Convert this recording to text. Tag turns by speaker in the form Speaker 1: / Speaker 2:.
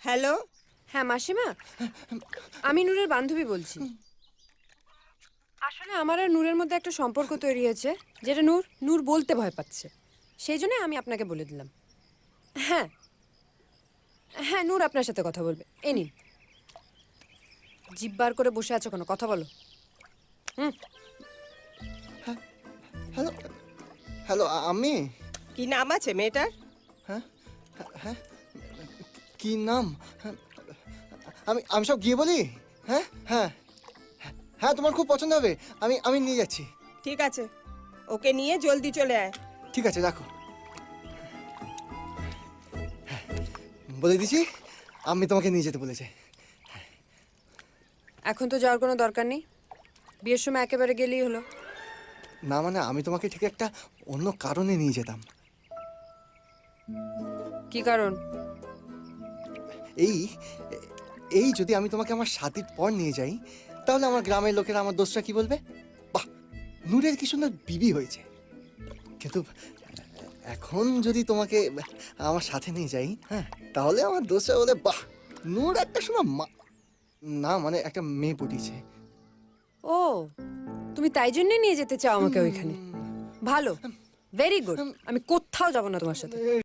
Speaker 1: Hello.
Speaker 2: হ্যাঁ মাসিমা, আমি নূরের বান্ধবী বলছি। আসলে আমার আর নূরের মধ্যে একটা সম্পর্ক তৈরি হয়েছে, যেটা নূর নূর বলতে ভয় পাচ্ছে। সেই জন্য আমি আপনাকে বলে দিলাম। হ্যাঁ হ্যাঁ, নূর আপনার সাথে কথা বলবে। এই নিন। জিভ বার করে বসে আছো কেন? কথা বলো। হুম।
Speaker 3: হ্যালো হ্যালো আমি
Speaker 1: কি নাম আছে মেয়েটার?
Speaker 3: কি নাম? হ্যাঁ, আমি আমি সব গিয়ে বলি। হ্যাঁ হ্যাঁ হ্যাঁ, তোমার খুব পছন্দ হবে। আমি আমি নিয়ে যাচ্ছি।
Speaker 1: ঠিক আছে, ওকে নিয়ে জলদি চলে আয়।
Speaker 3: ঠিক আছে, রাখো। বলে দিছি, আমি তোমাকে নিয়ে যেতে বলেছে।
Speaker 2: এখন তো যাওয়ার কোনো দরকার নেই, বিয়ের সময় একেবারে গেলেই হলো।
Speaker 3: না মানে আমি তোমাকে ঠিক একটা অন্য কারণে নিয়ে যেতাম।
Speaker 2: কি কারণ?
Speaker 3: এই এই যদি আমি তোমাকে আমার শাদির পর নিয়ে যাই, তাহলে আমার গ্রামের লোকেরা আমার দোষটা কি বলবে? বাহ, নূরের কি সুন্দর বিবি হয়েছে। কিন্তু এখন যদি তোমাকে আমার সাথে নিয়ে যাই, হ্যাঁ, তাহলে আমার দোষটা বলে, বাহ, নূর একটা শোনা না মানে একটা মেয়ে পটিয়েছে।
Speaker 2: ও, তুমি তাই জন্যে নিয়ে যেতে চাও আমাকে ওইখানে? ভালো, ভেরি গুড। আমি কোথাও যাব না তোমার সাথে।